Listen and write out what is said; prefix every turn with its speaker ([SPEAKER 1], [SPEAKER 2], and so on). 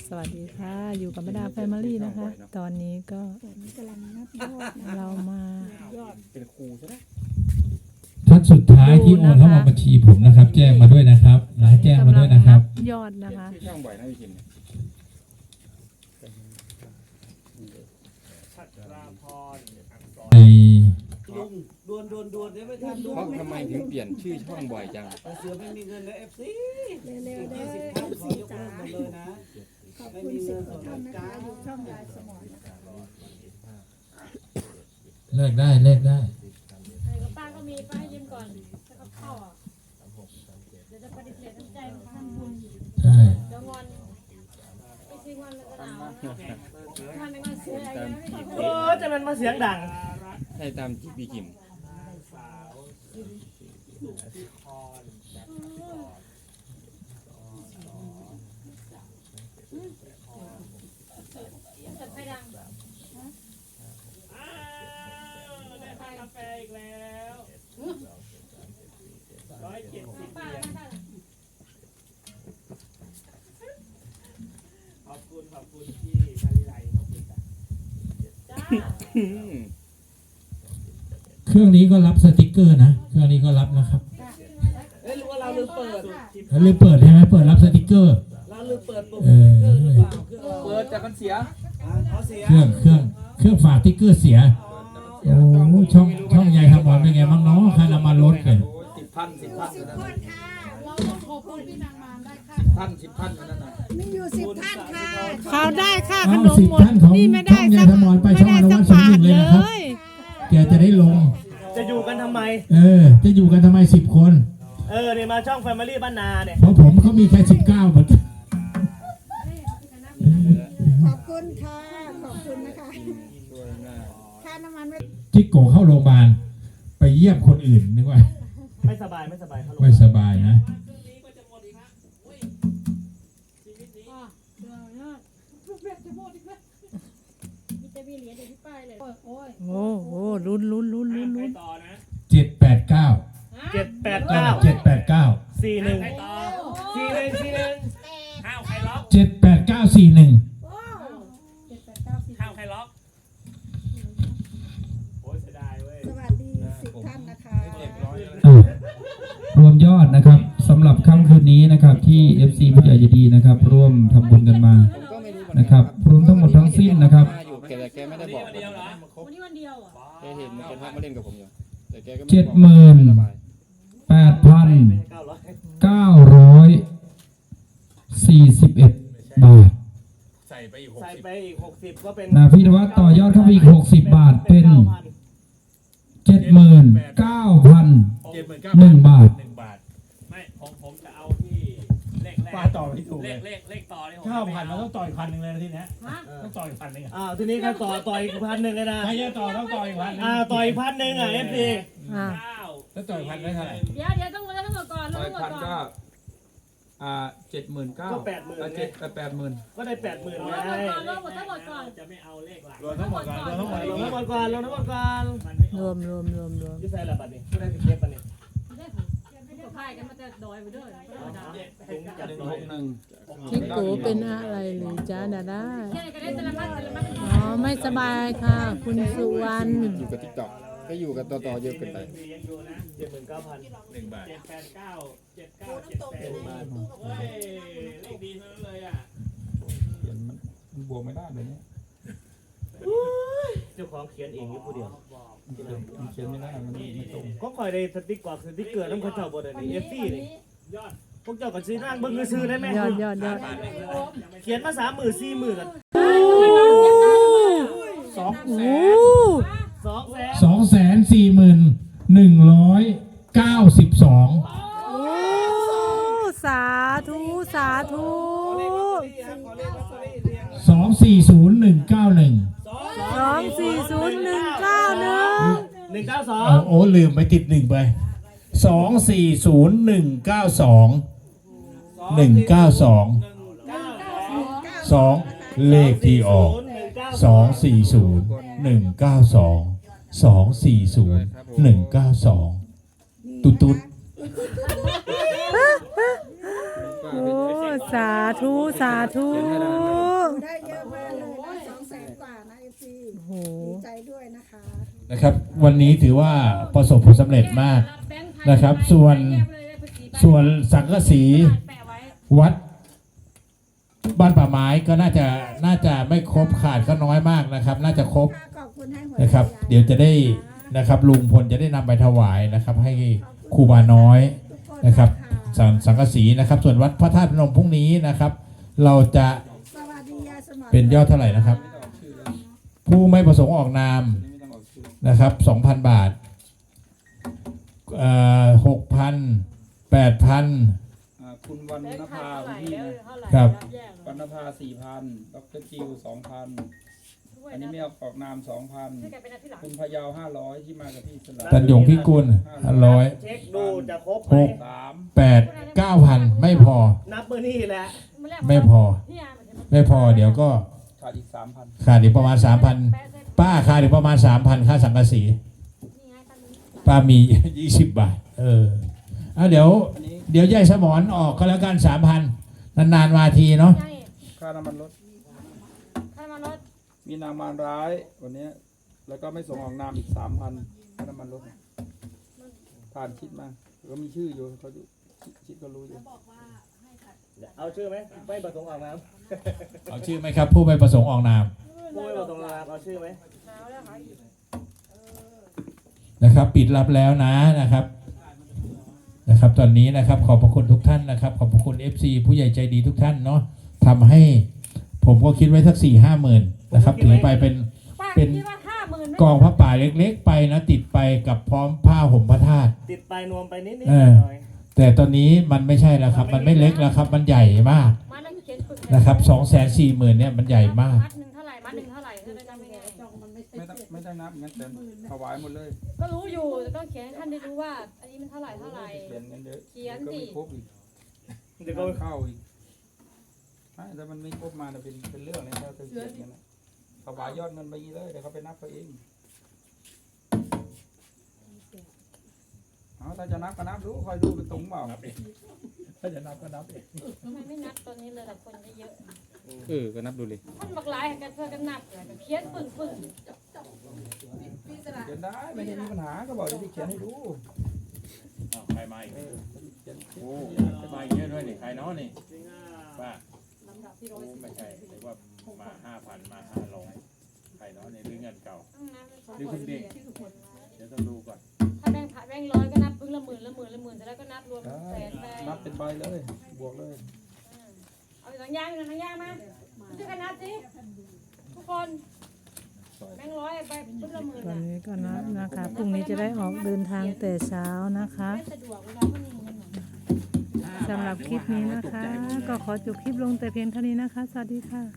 [SPEAKER 1] สวัสดีค่ะอยู่กับแม่ดาแฟมิลี่นะคะตอนนี้ก็เรามา
[SPEAKER 2] เป็นครูใช่ไหม
[SPEAKER 3] ท่านสุดท้ายที่โอนเข้ามาบัญชีผมนะครับแจ้งมาด้วยนะครับนะแจ้งมาด้วยนะครับ
[SPEAKER 1] ยอดนะคะ
[SPEAKER 2] ช่องบ่อยนะพี่คิม
[SPEAKER 3] ใน
[SPEAKER 4] ดวนได้ไม่ทันดู
[SPEAKER 2] ทำไมถึงเปลี่ยนชื่อช่องบ่อยจัง
[SPEAKER 4] เสือไม่มีเงินเลยFC
[SPEAKER 5] เร็วๆได้
[SPEAKER 4] ขอยกเลิกหมดเลยนะ
[SPEAKER 5] ขอบคุณสิบกว่าท่านนะคะอยู่ช่องยายสมรนะคะ
[SPEAKER 3] เลิกได้
[SPEAKER 6] ไอ้กับป้าก็มีป้าให้ยืมก่อนจะกับข้าวอ่ะเดี๋ยวจะปฏิเสธน้ำใจของท่านบุญ
[SPEAKER 3] ใช่
[SPEAKER 6] เดี๋ยวงอนไม่ใช่งอนแล้วก็หนาวมันเป็นงอนเสืออะไรไม่ได้
[SPEAKER 4] โอ้จะมันมาเสียงดัง
[SPEAKER 2] ให้ตามพี่คิม
[SPEAKER 6] จัดไฟดัง
[SPEAKER 4] ได้กาแฟอีกแล้ว170
[SPEAKER 6] ป้า
[SPEAKER 4] ขอบคุณที่มาลีไลขอบคุณจ้ะ
[SPEAKER 6] จ้า
[SPEAKER 3] เครื่องนี้ก็รับสติกเกอร์นะเครื่องนี้ก็รับนะครับ
[SPEAKER 4] เอ้ยรู้ว่าเราลืมเปิด
[SPEAKER 3] แล้วเลยเปิดใช่ไหมเปิดรับสติกเกอร์
[SPEAKER 4] เราลืมเปิดปุ่มสติ๊กเกอร์หรือเปล่าเปิดแต่มันเสียเขาเสีย
[SPEAKER 3] เครื่องฝาสติกเกอร์เสียโอ้ช่องใหญ่ครับบอลเป็นไงบ้างเนาะค่าน้ำมันลดกัน
[SPEAKER 4] 10,000นั่นน่ะ
[SPEAKER 5] มีอยู่10 ท่านค่ะ
[SPEAKER 1] เขาได้ค่าข
[SPEAKER 3] อ้าวน
[SPEAKER 1] ม
[SPEAKER 3] 10
[SPEAKER 1] หมด
[SPEAKER 3] ท่านของ
[SPEAKER 1] นี่ไม่
[SPEAKER 3] ช่
[SPEAKER 1] ได้
[SPEAKER 3] องใหญ่
[SPEAKER 1] สัก
[SPEAKER 3] ทมรไป
[SPEAKER 1] ไม่
[SPEAKER 3] ช่อง
[SPEAKER 1] ได้
[SPEAKER 3] อนุ
[SPEAKER 1] สั
[SPEAKER 3] วั
[SPEAKER 1] ก
[SPEAKER 3] ฒน์สม
[SPEAKER 1] บา
[SPEAKER 3] ห
[SPEAKER 1] ท
[SPEAKER 3] นึ่งเลย
[SPEAKER 1] เล
[SPEAKER 3] นะครับ
[SPEAKER 1] ย
[SPEAKER 3] แกจะได้ลง
[SPEAKER 4] จะอยู่กันทำไม
[SPEAKER 3] จะอยู่กันทำไม10 คน
[SPEAKER 4] เนี่ยมาช่อง Family บ้านนาเนี่ย
[SPEAKER 3] เพราะผมเขามีแค่19หมด
[SPEAKER 5] ขอบคุณค่ะขอบคุณนะคะ
[SPEAKER 2] ช่วยหน้า
[SPEAKER 5] ค่าน้ำมันไม่
[SPEAKER 3] จิกโกเข้าโรงพยาบาลไปเยี่ยมคนอื่นนึกว่า
[SPEAKER 4] ไม่สบายเขาลง
[SPEAKER 3] ไม่สบายนะ
[SPEAKER 6] มีแต่มีเหรียญเดี๋ยวพี่ป้ายเลยโอ้ย
[SPEAKER 1] โอ้โหลุ้น
[SPEAKER 4] ต่อนะ
[SPEAKER 3] 789
[SPEAKER 4] 789
[SPEAKER 3] 789
[SPEAKER 4] 41 ห้าวใครล็อก
[SPEAKER 3] 78941
[SPEAKER 4] ห้าวใครล็อกโอ้ยเสียดายเว้ย
[SPEAKER 5] สวัสดี10 ท่านนะคะ
[SPEAKER 3] รวมยอดนะครับสำหรับค่ำคืนนี้นะครับที่ FC ผู้ใหญ่ใจดีนะครับร่วมทำบุญกันมา
[SPEAKER 2] ผมก็ไม่รู้เหมือนกั
[SPEAKER 3] นะครับรวมทั้งหมดทั้งสิ้นนะครับ
[SPEAKER 2] มาอยู่แต่แกไม่ได้บอก
[SPEAKER 4] วันเดียวเหรอ
[SPEAKER 6] วันนี้วันเดียวอ่ะ
[SPEAKER 2] แกเห็นแกทักมาเล่นกับผมอยู่แต่แกก็ไม่บอกสบาย
[SPEAKER 3] 8,941 บาท
[SPEAKER 4] ใส่ไปอีก60ก็เป็น
[SPEAKER 3] นาพิธวัฒน์ต่อยอดเข้าไปอีก60 บาทเป็น 79,001 บาท
[SPEAKER 4] 1 บาทไม่ผมจะเอาที่เลขแรก
[SPEAKER 7] ป้าต่อไม่ถูกเลย
[SPEAKER 4] เลขต่อนี่ผม
[SPEAKER 7] 9,000เราต้องต่อย1,000เลยนะทีเนี้ย
[SPEAKER 6] ฮะ
[SPEAKER 7] ต้องต่อย1,000เลย
[SPEAKER 4] ทีนี้ก็ต่ออีก1,000เลยนะ
[SPEAKER 7] ใครจะต่อต้องต่อย1,000
[SPEAKER 4] ต่ออีก1,000อ่ะ FC
[SPEAKER 1] อ่า
[SPEAKER 7] แล้วต่อย1,000ได้เท่าไหร่
[SPEAKER 6] เดี๋ยวต้องทั้งหมดก่อนทั้งหมดก่อน
[SPEAKER 3] 79,000
[SPEAKER 4] ก็80,000
[SPEAKER 3] 80,000
[SPEAKER 4] ก็ได้ 80,000
[SPEAKER 6] ร
[SPEAKER 4] ไง
[SPEAKER 6] วมหมดทั้งหมดก่อน
[SPEAKER 4] จะไม่เอาเลขหลัก
[SPEAKER 7] รวมทั้งหมดก่อนรวมทั้งหมด
[SPEAKER 4] ลงทั้งหมดก่อนมันไม่
[SPEAKER 1] รวม
[SPEAKER 4] ที่ใส่ละบัตรนี่ผู้ได้สิเก็บบัตรนี่
[SPEAKER 6] ตัวพายกันมันจะดอยไปด้วยธรรมดา
[SPEAKER 4] ถุงจัดหน่อย
[SPEAKER 1] จิกโกเป็นอะไรหรือจ้าดาด้า
[SPEAKER 6] แค่ไหนก็ได้แต่ละมัด
[SPEAKER 1] อ๋อไม่สบายค่ะ คุณสุวรรณ
[SPEAKER 2] อยู่กับทิกตอกก็อยู่กับต่อเยอะเกินไป
[SPEAKER 4] ยังอยู่นะ 79,000
[SPEAKER 7] 1 บาท
[SPEAKER 4] 789 7978 บาทเฮ้ยเลขดีเท่านั้นเลยอ่ะ
[SPEAKER 3] มันบวกไม่ได้เลยเนี่ย
[SPEAKER 4] เจ้าของเขียนเองอยู่ผู้เดียว
[SPEAKER 3] มันเขียนไม่ได้มันไม่ตรง
[SPEAKER 4] ก็คอยได้สติ๊กกว่าคือสติ๊กเกอร์ต้องเขาเจ้าบนนี่ FC นี่พวกเจ้าก็ซื้อร่างเบิ่งซื้อได้ไหม
[SPEAKER 1] ยอด
[SPEAKER 4] เขียนมา30,000 40,000กัน
[SPEAKER 1] โอ้
[SPEAKER 3] 240,192
[SPEAKER 1] โอ้สาธุ
[SPEAKER 3] 240,191
[SPEAKER 4] 192
[SPEAKER 3] โอ้ลืมไปติด1ไป240,192 2เลขที่ออก240,192 ตุ๊ด
[SPEAKER 1] โอ้สาธุสาธุ
[SPEAKER 5] ได้เยอะมากเลยนะ200,000 กว่านะ FC
[SPEAKER 1] โอ้โห
[SPEAKER 5] ดีใจด้วยนะคะ
[SPEAKER 3] นะครับ วันนี้ถือว่าประสบผลสำเร็จมาก นะครับ ส่วนสังกะสี
[SPEAKER 6] แปะไว้
[SPEAKER 3] วัดบ้านป่าไม้ก็น่าจะไม่ครบขาดก็น้อยมากนะครับ น่าจะครบ
[SPEAKER 5] ขอบคุณให้หัว
[SPEAKER 3] นะครับ
[SPEAKER 5] ใจ
[SPEAKER 3] เดี๋ยวจะได้นะครับลุงพลจะได้นำไปถวายนะครับ ให้ครูบาน้อย
[SPEAKER 5] ทุกคน
[SPEAKER 3] นะครับ
[SPEAKER 5] ค่ะ
[SPEAKER 3] สังกะสีนะครับ ส่วนวัดพระธาตุพนมพรุ่งนี้นะครับ เราจะ
[SPEAKER 5] สวัสดียายสมร
[SPEAKER 3] เป็นยอดเท่าไหร่นะครับ ผู้ไม่ประสงค์ออกนาม
[SPEAKER 2] นี่ไม่ต้องออกชื่อ
[SPEAKER 3] นะครับ 2,000 บาท6,000 8,000
[SPEAKER 2] คุณวรรณภา
[SPEAKER 6] เท่าไหร่
[SPEAKER 2] พี่
[SPEAKER 6] แล้ว
[SPEAKER 2] นะ
[SPEAKER 6] เท่าไหร่
[SPEAKER 3] ครับ
[SPEAKER 6] แยก
[SPEAKER 2] วรรณภา 4,000 ดรจิว 2,000 อันนี้ไม่ออกนาม
[SPEAKER 6] ช่วย
[SPEAKER 2] 2,000
[SPEAKER 6] กันเป็นอาทิตย์หลัง
[SPEAKER 2] คุณพะเยา 500 ที่มากับพี่สลับ
[SPEAKER 3] ตันหยงพิกุล500
[SPEAKER 4] เช็คดูจะครบไหม
[SPEAKER 2] 3
[SPEAKER 3] 8 9,000 ไม่พอ
[SPEAKER 4] นับมือนี่แหละ
[SPEAKER 3] ไม่พอ
[SPEAKER 6] นี่อ่ะมันจะ
[SPEAKER 3] ไม่พอเดี๋ยวก็
[SPEAKER 2] ขาดอีก 3,000
[SPEAKER 3] ขาดอีกประมาณ 3,000
[SPEAKER 6] แปะเสร็จ
[SPEAKER 3] ป้าขาดอีกประมาณ 3,000 ค่าสังกะสี
[SPEAKER 6] นี่ไงตั้งนี้
[SPEAKER 3] ป้ามี 20 บาท เอาเดี๋ยวยายสมอนออกก็แล้วกัน 3,000 นานๆมาทีเนาะ
[SPEAKER 6] ยังอีก
[SPEAKER 2] ค่าน้ำมันรถ
[SPEAKER 6] ใครมารถ
[SPEAKER 2] มีนามานร้ายวันนี้ แล้วก็ไม่ส่งออกนามอีก 3,000 ค่าน้ำมันรถผ่านคิดมาก็มีชื่ออยู่เขาคิดก็รู้อยู่
[SPEAKER 4] เอาชื่อไหมไม่ประสงค์ออกนาม
[SPEAKER 3] เอาชื่อไหมครับ ผู้ไม่ประสงค์ออกนาม
[SPEAKER 4] ผู้ไม่ประสงค์ออกนามเอาชื่อไหม
[SPEAKER 6] หนาวแล้วหาอีก
[SPEAKER 3] นะครับ ปิดรับแล้วนะครับ ตอนนี้นะครับ ขอบพระคุณทุกท่านนะครับ ขอบพระคุณ FC ผู้ใหญ่ใจดีทุกท่านเนาะทำให้ผมก็คิดไว้สัก 4-5 หมื่นนะครับถือไปเป็น
[SPEAKER 6] ป้า
[SPEAKER 3] เป็น
[SPEAKER 6] คิดว่า50,000ไม่
[SPEAKER 3] กองพระป่าเล็กๆ ไปนะติดไปกับพร้อมผ้าห่มพระธาตุ
[SPEAKER 4] ติดไปนวมไปนิด
[SPEAKER 3] เออ
[SPEAKER 4] ๆหน่อย
[SPEAKER 3] แต่ตอนนี้มันไม่ใช่แล้วครับ มันไม่เล็กแล้วครับ มันใหญ่มาก
[SPEAKER 6] มานั่งเขียนฝึก
[SPEAKER 3] นะครับ240,000เนี่ยมันใหญ่มาก
[SPEAKER 6] มัดหนึ่งเท่าไหร่มัดหนึ่งเท่าไหร่จะได้จำไม่ได้
[SPEAKER 2] ไม่ได้นับงั้นแต่ถวายหมดเลย
[SPEAKER 6] ก็รู้อยู่แต่ต้องเขียนให้ท่านได้รู้ว่า อันนี้มันเท่าไหร่เท่าไหร่
[SPEAKER 2] เขียนกันเยอะ
[SPEAKER 6] เขียน
[SPEAKER 2] ก็
[SPEAKER 6] สิ
[SPEAKER 2] ไม่ครบอีก
[SPEAKER 4] เดี๋ยวก็
[SPEAKER 2] เข้าอีกไม่แต่มันไม่ครบมาเนี่ยเป็นเรื่องเลยถ้าเธอเขียนกันนะถวายยอดเงินไปเลยเดี๋ยวเขาไปนับเขาเองเอาถ้าจะนับก็นับดูคอยดูเป็นตุงเปล่าถ้าจะนับก็นับเอง
[SPEAKER 6] ทำไมไม่นับตอนนี้เลยแต่คนเยอะ
[SPEAKER 2] ก็นับดูเลย
[SPEAKER 6] ท่านบักหลายกันเพื่อกันนับเลยเขียนปึ่ง
[SPEAKER 2] เขียนได้ไม่ได้มีปัญหาก็บอกเดี๋ยวที่เขียนให้ดู
[SPEAKER 7] ใครมาอีก
[SPEAKER 2] เขียน
[SPEAKER 7] โอ้มาอีกเยอะด้วยนี่ใครเนาะนี่ป้าไม่ใช่หรือว่ามา 5,000 มา 500ใครเนาะในเรื่องเงินเก่า
[SPEAKER 6] ต้องนับ
[SPEAKER 7] หรือคุณเด็ก เดี๋ยวต้องดูก่อน
[SPEAKER 6] ถ้าแบงค์ผ่าแบงค์ร้อยก็นับปึ่งละหมื่นเสร็จแล้วก็นับรวม
[SPEAKER 2] ได้
[SPEAKER 6] แสนไป
[SPEAKER 2] นับเป็นใบเลยบวกเลย
[SPEAKER 6] เอาหนังยางมาช่วยกันนับสิทุกคนแบงค์ร้อยไปปึ่งละหมื่น
[SPEAKER 1] ตอนนี้ก็นับนะคะพรุ่งนี้จะได้ออกเดินทางแต่เช้านะคะ
[SPEAKER 6] ไม่สะดวกเวลาเขามีเงินหน่อย
[SPEAKER 1] สำหรับคลิปนี้นะคะ ก็ขอจบคลิปลงแต่เพียงเท่านี้นะคะ สวัสดีค่ะ